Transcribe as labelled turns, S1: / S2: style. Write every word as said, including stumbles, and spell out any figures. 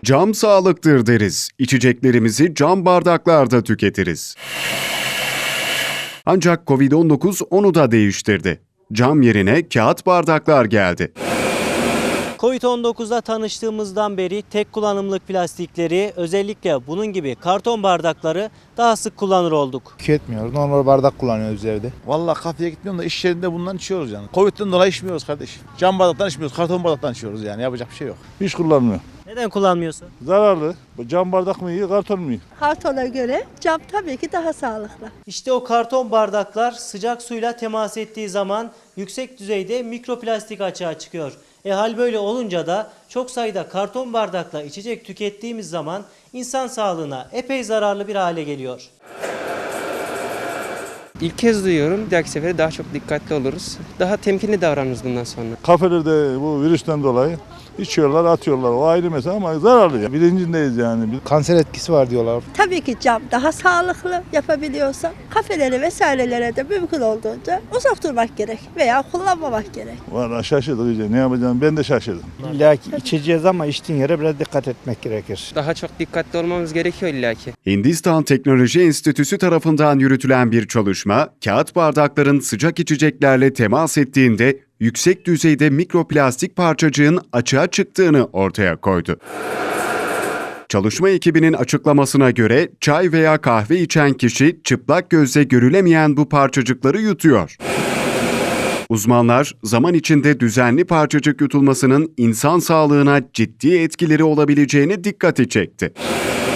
S1: Cam sağlıktır deriz. İçeceklerimizi cam bardaklarda tüketiriz. Ancak kovid on dokuz onu da değiştirdi. Cam yerine kağıt bardaklar geldi.
S2: kovid on dokuzla tanıştığımızdan beri tek kullanımlık plastikleri, özellikle bunun gibi karton bardakları daha sık kullanır olduk.
S3: Tüketmiyoruz. Normal bardak kullanıyoruz evde.
S4: Vallahi kafeye gitmiyorum da iş yerinde bundan içiyoruz yani. Covid'den dolayı içmiyoruz kardeşim. Cam bardaktan içmiyoruz, karton bardaktan içiyoruz yani. Yapacak bir şey yok.
S5: Hiç kullanmıyor.
S2: Neden kullanmıyorsun?
S5: Zararlı. Cam bardak mı iyi, karton mu iyi?
S6: Kartona göre cam tabii ki daha sağlıklı.
S2: İşte o karton bardaklar sıcak suyla temas ettiği zaman yüksek düzeyde mikroplastik açığa çıkıyor. E hal böyle olunca da çok sayıda karton bardakla içecek tükettiğimiz zaman insan sağlığına epey zararlı bir hale geliyor.
S7: İlk kez duyuyorum. Bir dahaki sefere daha çok dikkatli oluruz. Daha temkinli davranırız bundan sonra.
S5: Kafelerde bu virüsten dolayı içiyorlar, atıyorlar. O ayrı mesele ama zararlı ya. Bilincindeyiz yani.
S3: Kanser etkisi var diyorlar.
S6: Tabii ki cam daha sağlıklı yapabiliyorsa kafelere vesairelere de mümkün olduğunca uzak durmak gerek veya kullanmamak gerek.
S5: Valla şaşırdık iyice. Ne yapacağım ben de şaşırdım.
S8: İlla ki içeceğiz ama içtiğin yere biraz dikkat etmek gerekir.
S7: Daha çok dikkatli olmamız gerekiyor illaki.
S1: Hindistan Teknoloji Enstitüsü tarafından yürütülen bir çalışma, kağıt bardakların sıcak içeceklerle temas ettiğinde yüksek düzeyde mikroplastik parçacığın açığa çıktığını ortaya koydu. Çalışma ekibinin açıklamasına göre çay veya kahve içen kişi çıplak gözle görülemeyen bu parçacıkları yutuyor. Uzmanlar zaman içinde düzenli parçacık yutulmasının insan sağlığına ciddi etkileri olabileceğine dikkati çekti.